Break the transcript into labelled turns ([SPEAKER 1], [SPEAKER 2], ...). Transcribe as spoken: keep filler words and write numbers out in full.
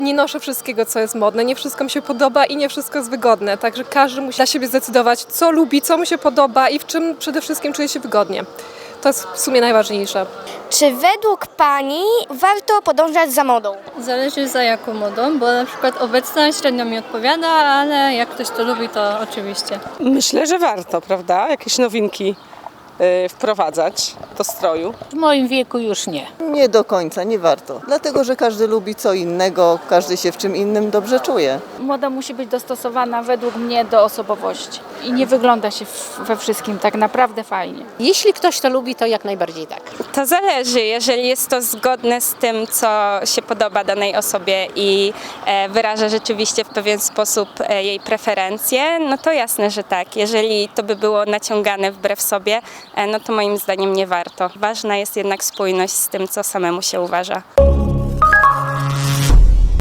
[SPEAKER 1] Nie noszę wszystkiego, co jest modne, nie wszystko mi się podoba i nie wszystko jest wygodne, także każdy musi dla siebie zdecydować, co lubi, co mu się podoba i w czym przede wszystkim czuje się wygodnie. To jest w sumie najważniejsze.
[SPEAKER 2] Czy według Pani warto podążać za modą?
[SPEAKER 3] Zależy za jaką modą, bo na przykład obecna średnio mi odpowiada, ale jak ktoś to lubi, to oczywiście.
[SPEAKER 4] Myślę, że warto, prawda? Jakieś nowinki y, wprowadzać do stroju.
[SPEAKER 5] W moim wieku już nie.
[SPEAKER 6] Nie do końca, nie warto. Dlatego, że każdy lubi co innego, każdy się w czym innym dobrze czuje.
[SPEAKER 7] Moda musi być dostosowana według mnie do osobowości i nie wygląda się w- we wszystkim tak naprawdę fajnie.
[SPEAKER 5] Jeśli ktoś to lubi, to jak najbardziej tak.
[SPEAKER 8] To zależy, jeżeli jest to zgodne z tym, co się podoba danej osobie i e, wyraża rzeczywiście w pewien sposób e, jej preferencje, no to jasne, że tak. Jeżeli to by było naciągane wbrew sobie, e, no to moim zdaniem nie warto. Ważna jest jednak spójność z tym, co samemu się uważa.